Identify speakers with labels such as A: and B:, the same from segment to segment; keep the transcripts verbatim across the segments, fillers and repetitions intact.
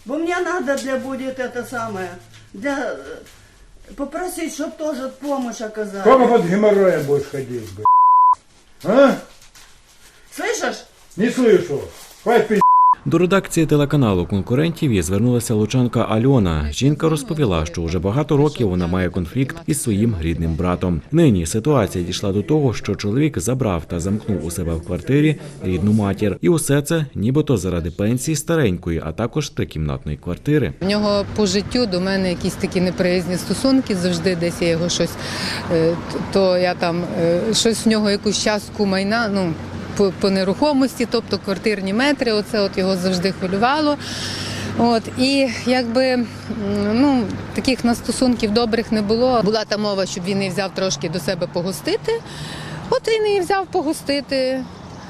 A: Бо мне надо для будет это самое, для попросить, чтобы тоже помощь оказали.
B: Сколько под геморроем будешь ходить, блядь? А?
A: Слышишь?
B: Не слышу. Хватит пи***.
C: До редакції телеканалу «Конкурентів» і звернулася лучанка Альона. Жінка розповіла, що вже багато років вона має конфлікт із своїм рідним братом. Нині ситуація дійшла до того, що чоловік забрав та замкнув у себе в квартирі рідну матір. І усе це нібито заради пенсії старенької, а також трикімнатної квартири.
D: В нього по життю до мене якісь такі неприязні стосунки, завжди десь я його щось, то я там, щось в нього якусь частку майна, ну, По, по нерухомості, тобто квартирні метри, оце от його завжди хвилювало. От, і якби, ну, таких на стосунків добрих не було. Була та мова, щоб він її взяв трошки до себе погостити. От він її взяв погостити.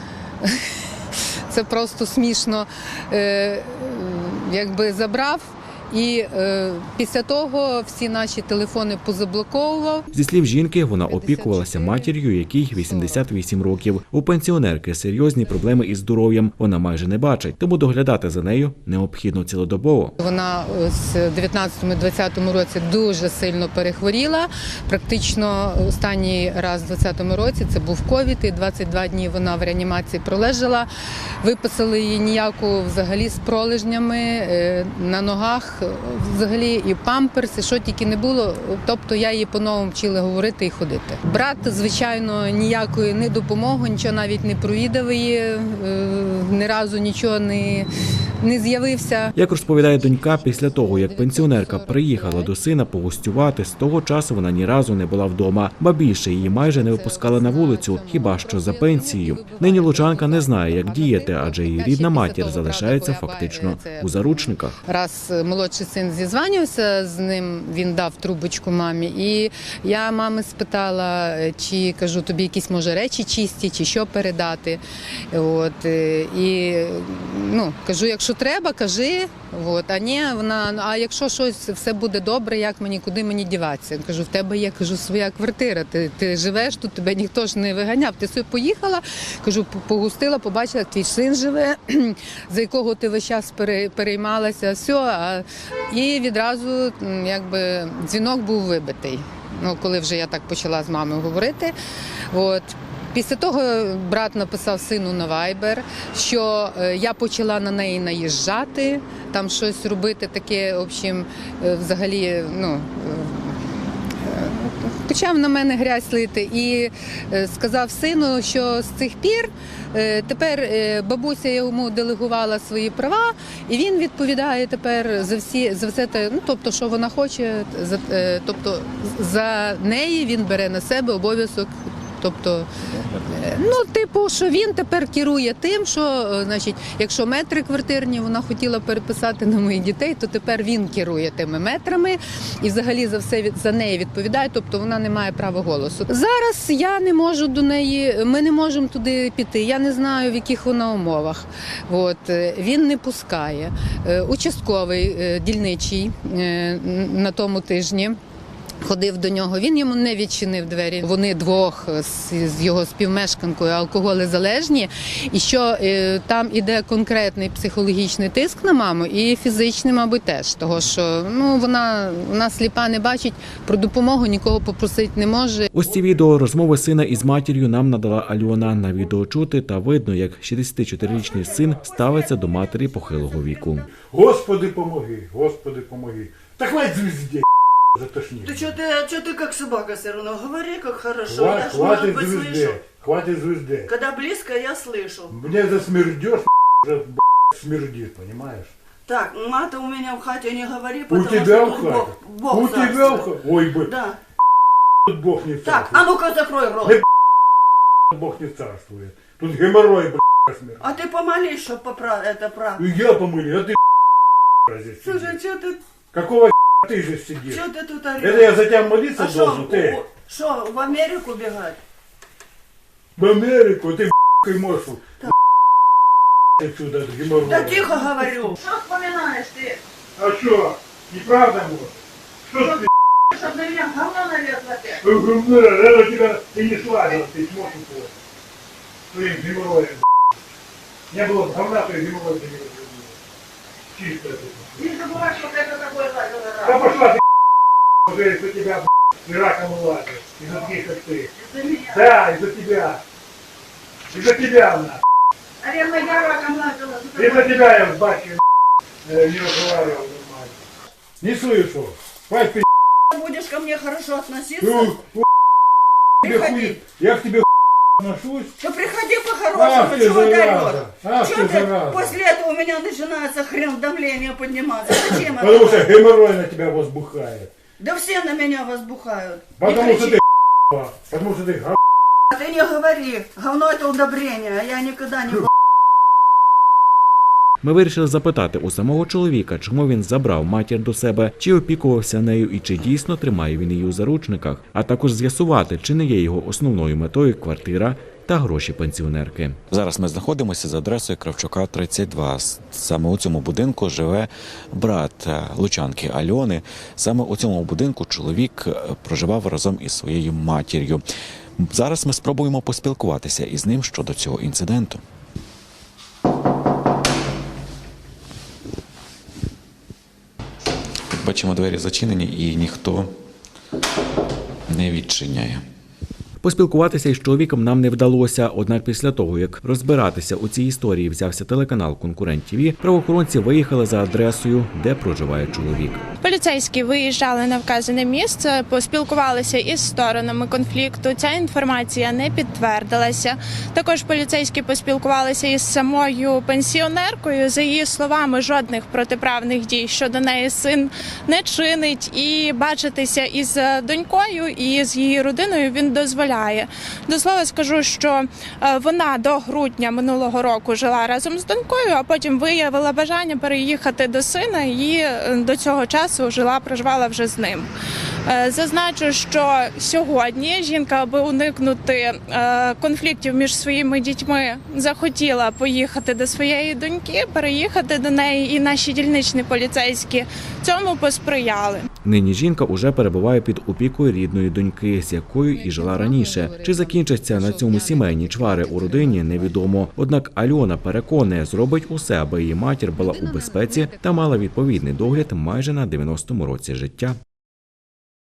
D: Це просто смішно. Е, якби забрав. І е, після того всі наші телефони позаблоковував.
C: Зі слів жінки, вона опікувалася матір'ю, якій вісімдесят вісім років. У пенсіонерки серйозні проблеми із здоров'ям. Вона майже не бачить, тому доглядати за нею необхідно цілодобово.
D: Вона з дев'ятнадцятому-двадцятому році дуже сильно перехворіла. Практично останній раз в двадцятому році це був ковід, і двадцять два дні вона в реанімації пролежала. Виписали її ніяку взагалі з пролежнями на ногах. Взагалі і памперси, що тільки не було, тобто я її по-новому вчила говорити і ходити. Брат, звичайно, ніякої не допомоги, нічого навіть не провідав її, ні разу нічого не, не з'явився.
C: Як розповідає донька, після того, як пенсіонерка приїхала до сина погостювати, з того часу вона ні разу не була вдома, ба більше її майже не випускали на вулицю, хіба що за пенсією. Нині лучанка не знає, як діяти, адже її рідна матір залишається фактично у заручниках.
D: Раз молодший син зізванювався з ним, він дав трубочку мамі, і я мами спитала, чи, кажу, тобі якісь, може, речі чисті, чи що передати. От, і, ну, кажу, якщо треба, кажи, от, а ні, вона, а якщо щось, все буде добре, як мені, куди мені діватися? Кажу, в тебе є, кажу, своя квартира, ти, ти живеш тут, тебе ніхто ж не виганяв, ти собі поїхала, кажу, погустила, побачила, як твій син живе, за якого ти весь час переймалася, все, а і відразу, якби, дзвінок був вибитий, ну, коли вже я так почала з мамою говорити. От. Після того брат написав сину на вайбер, що я почала на неї наїжджати, там щось робити таке, в общем, взагалі, ну, почав на мене грязь лити і сказав сину, що з цих пір тепер бабуся йому делегувала свої права, і він відповідає тепер за всі, за все те, ну, тобто, що вона хоче, за, тобто, за неї він бере на себе обов'язок. Тобто, ну, типу, що він тепер керує тим, що, значить, якщо метри квартирні вона хотіла переписати на моїх дітей, то тепер він керує тими метрами і взагалі за все за неї відповідає, тобто вона не має права голосу. Зараз я не можу до неї, ми не можемо туди піти, я не знаю, в яких вона умовах. От, він не пускає. Участковий дільничий на тому тижні ходив до нього, він йому не відчинив двері. Вони двох з його співмешканкою алкоголезалежні, і що е, там іде конкретний психологічний тиск на маму і фізичний, мабуть, теж. Того, що, ну, вона, вона сліпа, не бачить, про допомогу нікого попросити не може.
C: Ось ці відео розмови сина із матір'ю нам надала Альона. На відео чути та видно, як шістдесятичотирирічний син ставиться до матері похилого віку.
B: Господи, помоги, Господи, помоги. Та хватит звезде, затошни.
A: Ты что ты, что ты как собака все равно? Говори как хорошо,
B: Хватит,
A: я ж, может
B: хватит
A: быть,
B: звезде,
A: слышу.
B: хватит звезде.
A: Когда близко, я слышу.
B: Мне засмердешь, уже смердит, понимаешь?
A: Так, мата у меня в хате не говори,
B: У
A: потому
B: тебя
A: что
B: в
A: тут
B: хате?
A: Бог, Бог
B: У тебя в хате? Ой, бы,
A: Да.
B: тут Бог не
A: Так,
B: царствует.
A: а ну-ка закрой рот.
B: Не Бог не царствует. Тут геморрой, блядь, смерть.
A: А ты помолись, чтобы поправ... это правда.
B: И я помыли, а ты здесь
A: Слушай,
B: сидишь.
A: что ты,
B: Какого ты же сидишь?
A: что ты тут орешь?
B: Это я за тебя молиться
A: А
B: должен,
A: что,
B: ты?
A: что, в Америку бегать?
B: В Америку, ты б***й можешь. Отсюда, от геморроя.
A: Да тихо говорю.
E: Что вспоминаешь ты?
B: А что? Неправда может? Что ты?
E: Чтоб на меня говно налезло ты.
B: Это тебя ты не славил, ты сможешь упасть. Своим геморроем. Не было бы говна, то и геморрой бы не разрубил. чистая тут.
E: Не забывай, что это такое лазило
B: Да
E: раз.
B: пошла ты, уже из-за тебя, и раком лазит. Из-за таких, как ты.
E: Из-за меня.
B: Да, из-за тебя. Из-за тебя, на.
E: Наверное, я раком лазила. за
B: Из-за
E: тобой.
B: тебя я с батькой э, не разговаривал нормально. Не слышу. Хватит ты,
A: Будешь ко мне хорошо относиться,
B: ну, у, тебе
A: Приходи.
B: хуй, я к тебе отношусь.
A: то приходи
B: Ах
A: по-хорошему,
B: ты,
A: чего
B: зараза. Ах
A: Чего
B: ты,
A: ты?
B: зараза.
A: После этого у меня начинается хрен давление подниматься. Зачем
B: Потому
A: это?
B: что геморрой на тебя возбухает.
A: Да все на меня возбухают. Не
B: Потому что
A: кричи.
B: ты потому что ты га-
A: А ты не говори. Говно это удобрение, а я никогда не
C: Ми вирішили запитати у самого чоловіка, чому він забрав матір до себе, чи опікувався нею і чи дійсно тримає він її у заручниках, а також з'ясувати, чи не є його основною метою квартира та гроші пенсіонерки. Зараз ми знаходимося за адресою Кравчука, тридцять два. Саме у цьому будинку живе брат лучанки Альони. Саме у цьому будинку чоловік проживав разом із своєю матір'ю. Зараз ми спробуємо поспілкуватися із ним щодо цього інциденту. Бачимо, двері зачинені і ніхто не відчиняє. Поспілкуватися із чоловіком нам не вдалося, однак після того, як розбиратися у цій історії взявся телеканал «Конкурент ТІВІ», правоохоронці виїхали за адресою, де проживає чоловік.
F: Поліцейські виїжджали на вказане місце, поспілкувалися із сторонами конфлікту. Ця інформація не підтвердилася. Також поліцейські поспілкувалися із самою пенсіонеркою. За її словами, жодних протиправних дій щодо неї син не чинить. І бачитися із донькою і з її родиною він дозволяє. До слова скажу, що вона до грудня минулого року жила разом з донькою, а потім виявила бажання переїхати до сина і до цього часу жила, проживала вже з ним. Зазначу, що сьогодні жінка, аби уникнути конфліктів між своїми дітьми, захотіла поїхати до своєї доньки, переїхати до неї, і наші дільничні поліцейські цьому посприяли.
C: Нині жінка уже перебуває під опікою рідної доньки, з якою і жила раніше. Чи закінчаться на цьому сімейні чвари у родині, невідомо. Однак Альона переконує, зробить усе, аби її матір була у безпеці та мала відповідний догляд майже на дев'яностому році життя.